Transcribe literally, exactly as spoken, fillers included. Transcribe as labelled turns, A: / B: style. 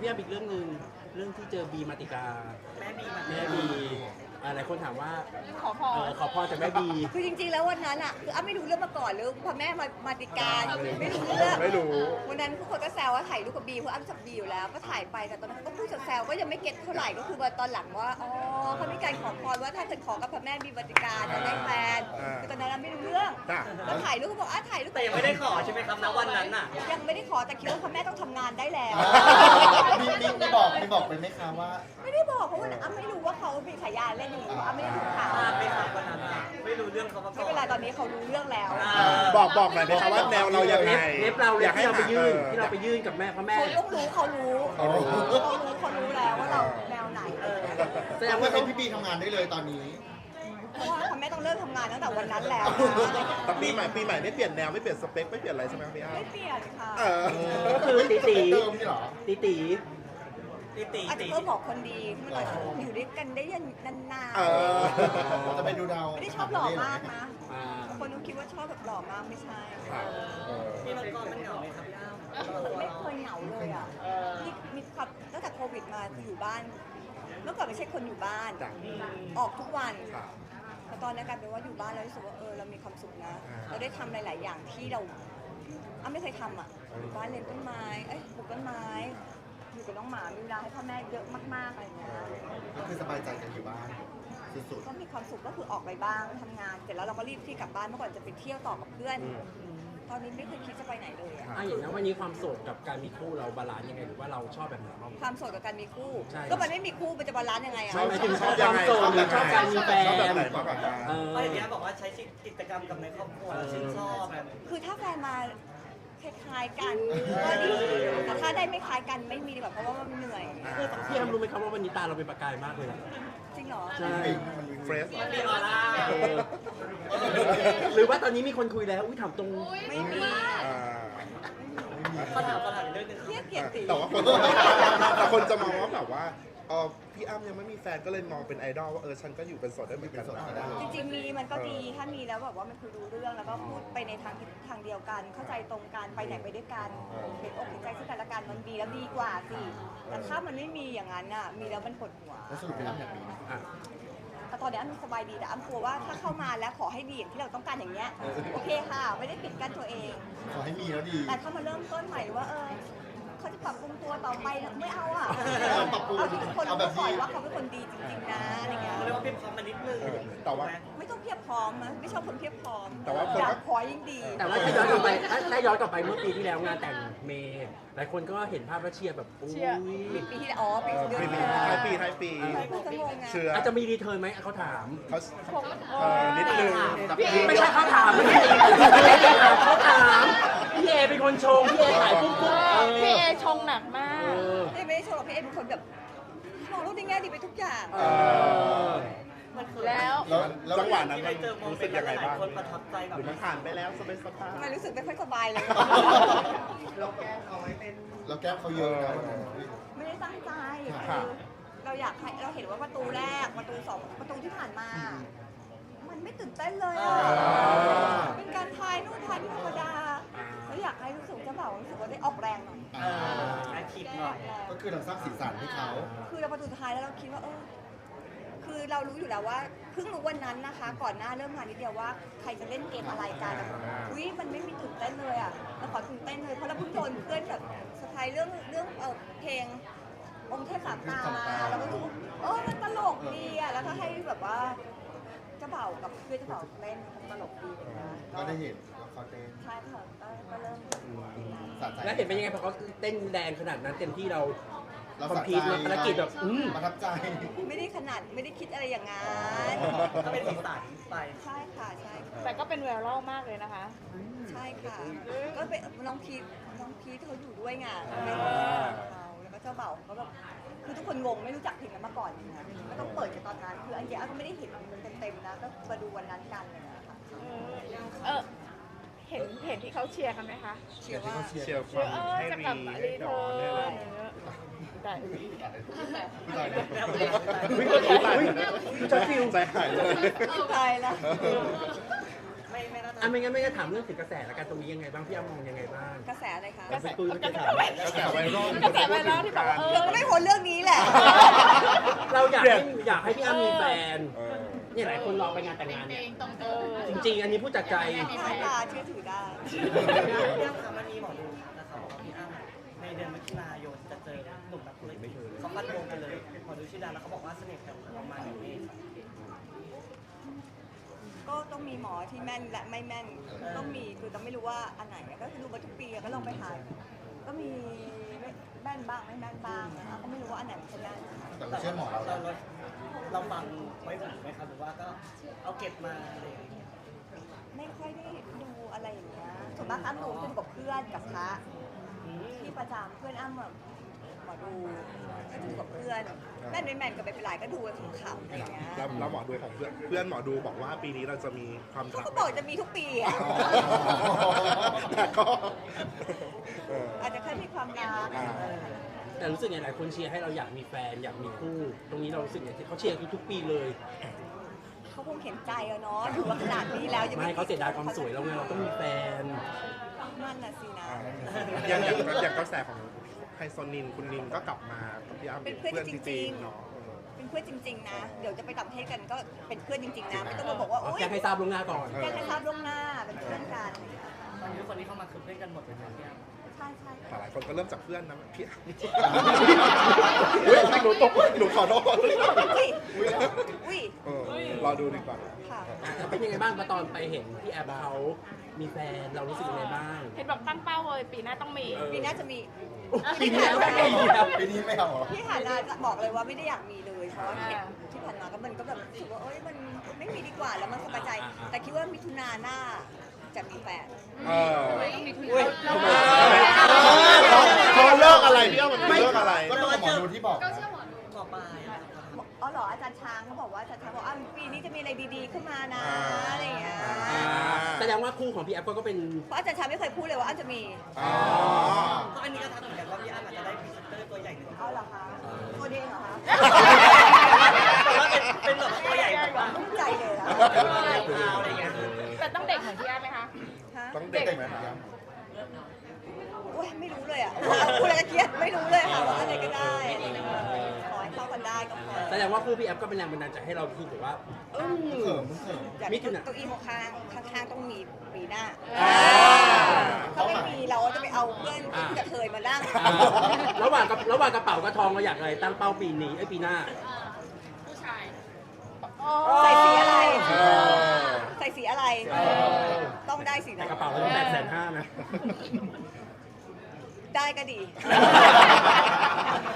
A: พี่อ้ำอีกเรื่องหนึ่งเรื่องที่เจอบีมาติกา
B: แม่บี
A: แม่บีหลายคนถามว่า
C: ขอพ
A: เอ
C: ร
A: อขอพรจากแม่บี
C: คือจริงๆแล้ววันนั้นอ่ะคืออ้ำไม่รู้เรื่องมาก่อนเลยพอแม่มามาติการไม่รู้เรื่อง
D: ไม่รู้
C: วันนั้นทุกคนก็แซวว่าถ่ายรูปกับบีเพราะอ้ำจับบีอยู่แล้วก็ถ่ายไปแต่ตอนนั้นก็พูดแซวๆก็ยังไม่เก็ตเท่าไหร่ก็คือว่าตอนหลังว่าอ๋อเขามีการขอพรว่าถ้าเกิดขอกับพระแม่บีมาติการจะได้แฟนคือตอนนั้นอ้ำไม่รู้เรื่อง
D: จ้ะ
C: ก็ถ่ายรูปก็บอกอ่ะถ่ายรูป
B: แต่ยังไม่ได้ขอใช่ไหมครับณวันนั้นน่ะ
C: ยังไม่ได้ขอแต่คิดว่าพระแม่ต้องทำงานได้แล้ว
E: มีมีมีบอกมีบอกไปไหมคะว่า
C: ไม่ได้บอกเพราะว่าอ้ำไม่รู้ว่าเขามีฉายาเล่นอย่างนี้เพราะอ้ำไม่ได้ดูข่าว
B: ทราบไหมครับวันนั้นน่ะไม่รู้เรื่องเขามาก่
C: ไม่
B: อน
C: เป็นไรตอนนี้เขารู้เรื่องแล้ว
D: บอกบอกหน่อยนะคะว่าแนวเรายังไง
A: เล็บเราเลยที่เราไปยื่น
D: ออ
A: ที่เราไปยื่นกับแม่พระแม่
C: เขาต้องรู้เขารู้
D: เขารู้
C: เขารู้เขารู้แล้วว่าเราแนวไหน
A: แสดง
E: ว่า
A: ว่า
E: ให้
A: เขา
E: พี่บีทำงานได้เลยตอนนี้
C: เพราะว่าพ่อแม่ต้องเริ่มทำงานตั้งแต่วันนั้นแล้ว
D: แต่ปีใหม่ปีใหม่ไม่เปลี่ยนแนวไม่เปลี่ยนสเปคไม่เปลี่ยนอะไรใช่ไหมครับพี่อ้ำ
C: ไม่เปลี่ยนค่ะ
D: เออ
A: ก็คือตีตี
E: เดิมนี่เหรอ
A: ตีตี
B: ตีตี
C: อาจจะ
B: ตี
C: เพิ่มบอกคนดีเมื่อไหร่อยู่ด้วยกันได้ยันนาน
D: เออ
E: จะไปดูดาว
C: ๆไม่ได้ชอบหล่อมากนะ
A: อ่า
C: บางคนก็คิดว่าชอบแบบหล่อมากไม่ใช่
D: ครับเออ
B: พี่มังกรมันเหงาไหมครับพี่อ้ำ
C: ไม่เคยเหงาเลยอ่ะมีมีความตั้งแต่โควิดมาคืออยู่บ้าน เมื่อก่อนไม่ใช่คนอยู่บ้าน
D: จ้ะ
C: ออกทุกวัน
D: ครับ
C: แต่ตอนนี้กลายเป็นว่าอยู่บ้านแล้วรู้สึกว่าเออเรามีความสุขนะ
D: อ่า
C: เราได้ทำหลาย ๆ อย่างที่เราอ้ำไม่เคยทำอ่ะอยู่บ้านเลี้ยงต้นไม้ เอ้ยปลูกต้นไม้ อยู่กับน้องหมา มีเวลาให้พ่อแม่เยอะมาก ๆ อะไรอย่างเงี้ย
E: ก็คือสบายใจกันอยู่บ้านสุด
C: ก็มีความสุขก็คือออกไปบ้างทำงาน เสร็จแล้วเราก็รีบที่กลับบ้านเมื่อก่อนจะไปเที่ยวต่อกับเพื่อน ตอนนี้ไม่เคยคิดจะไปไหนเลยอะ
A: อ่ะอย่างนั้นวันนี้ความโสดกับการมีคู่เราบาลานซ์ยังไงหรือว่าเราชอบแบบไหนบ้าง
C: ความโสดกับการมีคู่
A: ใช่
C: ก็มันไม่มีคู่มันจะบาลานซ์ยังไงอะ
A: ไม่หมายถึงชอบ
D: ยั
A: ควาง ม
D: ไง
A: โสดหรือชอบการมีแฟน
D: ชอบแบบไหนมากกว่ากัน
A: เออ
B: เพราะอย่างนี้ยบอกว่าใช้กิจกรรมกับในครอบครัวชื่นชอบแบบ
C: คือถ้าแฟนมาคล้ายๆกันก็ดีแต่ถ้าได้ไม่คล้ายกันไม่มีดีกว่าเพราะว่ามันเหนื่อย
A: คือพี่อ้ำรู้ไหมครับว่าวันนี้ตาเราเป็นประกายมากเลยนะ
C: จริงเหรอ
A: ใช่
D: เฟรช
B: มันมีออร่า
A: เออหรือว่าตอนนี้มีคนคุยแล้ว อุ้ยถามตรง
C: ไม่มี
D: อ่า
B: เขาถามเขาถามอีกเรื่องหนึงครับ
C: เทียบเกียรติ
D: แต่ว่าคนแต่คนจะมองว่าแบบว่าเออพี่อ้ำยังไม่มีแฟนก็เลยมองเป็นไอดอลว่าเออฉันก็อยู่เป็นโสดได้เหมือนกันนะ
C: จริงๆมีมันก็ดีถ้ามีแล้วแบบว่ามันคุยรู้เรื่องแล้วก็พูดไปในทางทิศทางเดียวกัน เข้าใจตรงกันไปไหนไปด้วยกันเห็นอกเห็นใจซึ่งกันและกันมันดีแล้วดีกว่าสิแต่ถ้ามันไม่มีอย่างนั้นอ่ะมีแล้วมันปวดหัว
E: แล้วสรุปพี่อ้ำอยากมีไหม
A: อ่ะ
C: แต่ตอนนี้อ้ำสบายดีแต่อ้ำกลัวว่าถ้าเข้ามาแล้วขอให้ดีอย่างที่เราต้องการอย่างเงี้ยโอเคค่ะไม่ได้ปิดกั้นตัวเอง
E: ขอให้มีแล้วดี
C: แต่ถ้ามาเริ่มต้นใหม่ว่าเออเขาจะปรับปรุงตัวต่อไปนะไม่เอาอ่ะ
E: เอาปรับปรุง
C: เอาที่ทุกคน
E: เอาแบ
C: รู้
E: บ
C: ก่อน
E: ดี
C: ว่าเขาเป็นคนดีจริงๆนะอะไรเงี้ย
B: เขาเรียกว่าเป็นความมานิดนึง
D: เออแต่ว่า
C: ไม่ต้องเพียบพร้อมนะไม่ชอบคนเพียบพร้อม
D: แต่ว่าคน
C: อยา
D: ก็
C: กขอยิ่งดี
A: แต่ว่าถ้าย้อนกลับไปถ้าถ้าย้อนกลับไปเมื่อปีที่แล้วงานแต่งเมย์หลายคนก็เห็นภาพแล้วเชียร์แบบอุ้ย
C: ปีที่แล้วอ๋อปี
D: เออ
C: เดือน
D: ปี
C: ที่
D: นี้
C: แล้ว
D: ท้ายปีท้ายปี
C: ใช่เพิ่งจะงงไง
D: เชื่อ
A: อาจจะมีรีเทิร์นไหมเขาถาม
D: เขาเออนิดนึง
A: ไม่ใช่เขาถามไม่ใช่ไม่ใช่เขาถามพี่เอเป็นคนชงพี่เอถ่ายปุ๊บปุ๊บเออ
F: พี่เอชงหนักมาก
A: เออ
C: เอ้ยไม่ได้โชว์หรอกพี่เอ็มเป็นคนแบบมองโลกในแง่ดีไปทุกอย่าง
A: เออ
B: มันคือ
F: แล้ว
D: แล้วแล้วจังหวะนั้น
B: ที่ไป
D: มัน
B: เจอโม
D: รู้
B: เม
D: สึ
B: น
D: ก
B: ต์
D: ยังไง
B: หลาย
D: บ้าง
B: คนประทับใจแบบ
D: หรือมันผ่านไปแล้วสบายสบาย
C: ทำไมรู้สึกไม่ค่อยสบายเลย
E: เราแก้มเขาเยอะนะวันนั้น
C: ไม่ได้ตั้งใจ
D: ค่ะ
C: คือเราอยากให้เราเห็นว่าประตูแรกประตูสองประตูที่ผ่านมา มันไม่ตื่นเต้นเลยอะเป็นการทายนู่นทายนี่ธรรมดาแล้วอยากให้รู้สึกเจ้าบ่าวรู้สึกว่าได้ออกแรงหน่อย
B: เออแอคทีฟหน่อย
E: ก็คือเราสร้างสีสันให้เขา
C: คือเราประตูสุดท้ายแล้วเราคิดว่าเออคือเรารู้อยู่แล้วว่าเพิ่งรู้วันนั้นนะคะ ก่อนหน้าเริ่มงานนิดเดียวว่าใครจะเล่นเกมอะไรกันอุ้ยมันไม่มีตื่นเต้นเลยอ่ะเราขอตื่นเต้นเลยเพราะเราเพิ่งโดนเพื่อนแบบสไตล์เรื่องเรื่องเออเพลงองค์เทพสามตามาเราก็รู้สึกเออมันตลกดีอ่ะแล้วก็ให้แบบว่าเจ้าบ่าวกับเพื่อนเจ้าบ่าวเล่นตลกดีเลยนะ
E: ก็ได้เห็นว่าเขาเต้น
C: ใช่ค่ะก็ก็เริ่ม
E: สะใจ
A: แล้วเห็นเป็นยังไงพอเขาเต้นแรงขนาดนั้นเต็มที่เรา
E: เรา
A: คอม
E: สะ
A: พี
E: ใจ
A: ทภารกิจแบบอืม
E: ประทับใจ
C: ไม่ได้ขนาดไม่ได้คิดอะไรอย่างนั้น
B: ก็เป็นสีสันไป
C: ใช่ค่ะใช่ค่ะ
F: แต่ก็เป็นแววเล่ามากเลยนะคะ
C: ใช่ค่ะ ก็เป็นน้องพีทน้องพีทเขาอยู่ด้วยไงเป็นเขาแล้วก็เจ้าเบ่าวเขาแบบคือทุกคนงงไม่รู้จักเพลงนั้นมาก่อนนะก็ต้องเปิดกันตอนนั้น คืออันเดียก็ไม่ได้เห็นเต็มๆนะ ก็มาดูวันนั้นกันเลยนะคะ
F: เออ เห็นเห็นที่เขาเชียร์กันไหมคะ
C: เชื่อว่า
D: เชียร์ค
F: เชียว
D: าม
F: ร์เออ
D: ให้
F: จะ
D: รี
F: กลับมา
D: ให้
F: รี
D: ด
F: เทิ
D: อนได้เล
F: ร์
D: ย
F: นแต่
D: วิ่งวิ่งจอฟิวใจหายเลย
C: ตายแล้ว
B: ไม่ไม่น่าท
A: อ่ะไม่งั้นไม่งั้นถามเรื่องถึงกระแสและการตรงนี้ยังไงบ้างพี่อ้ำมองยังไงบ้าง
C: กระแสอะไรคะ
F: กระแส
A: ตุ้ย
F: กระแส
D: กระแสไวรัล
F: กระแสไวรัลที่แบบว่าเอ
C: เธอ
F: อ
C: ก็ไม่พ้นเรื่องนี้แหละ
A: เราอยากให้อยากให้พี่อ้ำมีแฟน
D: เออ
A: เนี่ยหลายคนรอไปงานแต่งงานเนี่ย
F: เออ
A: จริง ๆ อันนี้พูดจากใจ
C: หน้าตาเชื่อถือได้
B: พี่อ้ำคะมันมีหมอดูทักนะคะว่าพี่อ้ำในเดือนมิถุนายนจะเจอหนุ่มนักธุรกิจเขาฟันธงกันเลยหมอดูชื่อดังแล้วเขาบอกว่าเสน่ห์แต่ประมาณนี้ค่ะ
C: ก็ต้องมีหมอที่แม่นและไม่แม่น ต้องมีคือต้องไม่รู้ว่าอันไหนก็คือดูมาทุกปีก็ลองไปหาก็มีแม่นบ้างไม่แม่นบ้างนะคะก็ไม่รู้ว่าอันไหนมันจะแม่น
E: แต่เราเชื่อหมอเรา
B: เราเราเราฟังไว้หูไหมครับหรือว่าก็เอาเก็บมาอะไรอย่างเงี้ย
C: ไม่ค่อยได้ดูอะไรอย่างเงี้ยส่วนมากอ้ำดูขึ้นกับเพื่อนกับพระที่ประจำเพื่อนอ้ำแบบหมอดูก็ดูกับเพื่อนแม่นไม่แม่นก็ไม่เป็นไรก็ดูกันขำๆอะไรอย่างเงี้ย
D: แล้วแล้วหมอดูของเพื่อนเพื่อนหมอดูบอกว่าปีนี้เราจะมีความ
C: เขา
D: รัก
C: ก็บอกจะมีทุกปีอ่ะ
D: แต่ก็เออ
C: อาจจะแค่มีความรัก
D: อ่า
A: แต่รู้สึกไงหลายคนเชียร์ให้เราอยากมีแฟนอยากมีคู่ ตรงนี้เรารู้สึกไงที่เขาเชียร์ทุกๆปีเลย
C: เขาคงเห็นใจอะเนาะอยู่มาขนาดนี้แล้วยัง
A: ไม่เขาเสียดายความสวยเราไงเราต้องมีแฟน
C: นั่นน่ะสินะ
D: อย่างอย่างอย่างกระแสของไฮโซนินคุณนินก็กลับมากับพี่อ้ำ
C: เป็นเพื่อนจริงๆ
D: เนาะเออ
C: เป็นเพื่อนจริง ๆ นะ เดี๋ยวจะไปต่างประเทศกันก็เป็นเพื่อนจริง ๆ นะ ไม่ต้องมาบอกว่า โอ๊ย
A: แจ้งให้ทราบล่วงหน้าก่อน
C: แจ้งให้ทราบล่วงหน้า เป็นเพื่อนกัน
B: ตอนนี้คนที่เข้ามาคือเพื่อนกันหมดเลยครับพี่อ้ำ
C: ใช่ใช่
D: แต่หลายคนก็เริ่มจากเพื่อนนะพี่อ้ำเฮ้ยหนูตกหนูขอโทษ
C: อุ้ยอุ้ย
D: เออรอดูดีกว่า
C: ค่ะ
A: เป็นยังไงบ้างตอนไปเห็นพี่แอบเขามีแฟนเรารู้สึกยังไงบ้าง
F: เห็นแบบตั้งเป้าเลยปีหน้าต้องมี
C: ปีหน้าจะมี
A: ปีนี้แล้วปีนี้แล้ว
E: ปีนี้ไม่เอาเหรอ
C: พี่หานาจะบอกเลยว่าไม่ได้อยากมีเลย เพราะว่าเห็นที่ผ่านมาก็มันก็แบบรู้สึกว่าเอ้ยมันไม่มีดีกว่าแล้วมันสบายใจ แต่คิดว่ามิถุนาหน้าจะมีแฟน
D: เออ
A: อุ้ย
D: ทำไมเขาเขาเลิกอะไรพี่อ้ำมันเลิกอะไร
E: ก็ต้องกับหมอดูที่บอกนะ
B: หมอปลายอะ
C: อ๋อเหรออาจารย์ช้างเขาบอกว่าอาจารย์ช้างบอกอ่ะปีนี้จะมีอะไรดีๆขึ้นมานะ
D: อ่า
C: อะไรอย่างเงี้ย
A: แสดงว่าคู่ของพี่แอฟก็เป็น
C: เพราะอาจารย์ช้างไม่เคยพูดเลยว่าอาจจะมี
D: อ๋อ
B: เพราะอันนี้ก็ทักเหมือนกันว่าพี่อ้ำอาจจะได้พรีเซนเตอร์ตัวใหญ่หนึ่ง
C: เอาเหรอคะตัวเด้งเหรอคะ
B: แต่ว่าเป็นเป็นแบบตัวใหญ่แบบว่า
C: ภูมิใจเลยนะ
B: อะไรอย่างเงี้ย
F: แต่ต้องเด็กเหมือนพี่อ้ำไหมคะ
C: ฮะ
D: ต้องเด็กไหมครับ
C: โอ้ยไม่รู้เลยอ่ะพูดอะไรก็เครียดไม่รู้เลยค่ะว่าอะไรก็ได้ขอให้เข้ากันได้ก็พอ
A: แสดงว่าคู่พี่แอฟก็เป็นแรงบันดาลใจให้เราคิดแบบว่าอืม
E: เขิมมึงเขิม
C: อยาก
A: มิ
C: มี
A: ถุนา
C: เก้าอี้ข้างๆข้างๆต้องมีปีหน้า
A: อ่า
C: ถ้าไม่มีเราก็จะไปเอาเพื่อนที่จะเคยมานั่ง
A: อ่าระหว่างกับระหว่างกระเป๋ากับทองเราอยากอะไรตั้งเป้าปีนี้ไอ้ยปีหน้า
F: ผู้ชาย
C: ใส่สีอะไร
D: เออ
C: ใส่สีอะไร ต้องได้สี
A: แต่
C: นั้น
A: กระเป๋าเราแปดแสนห้านะ
C: ได้ก็ดี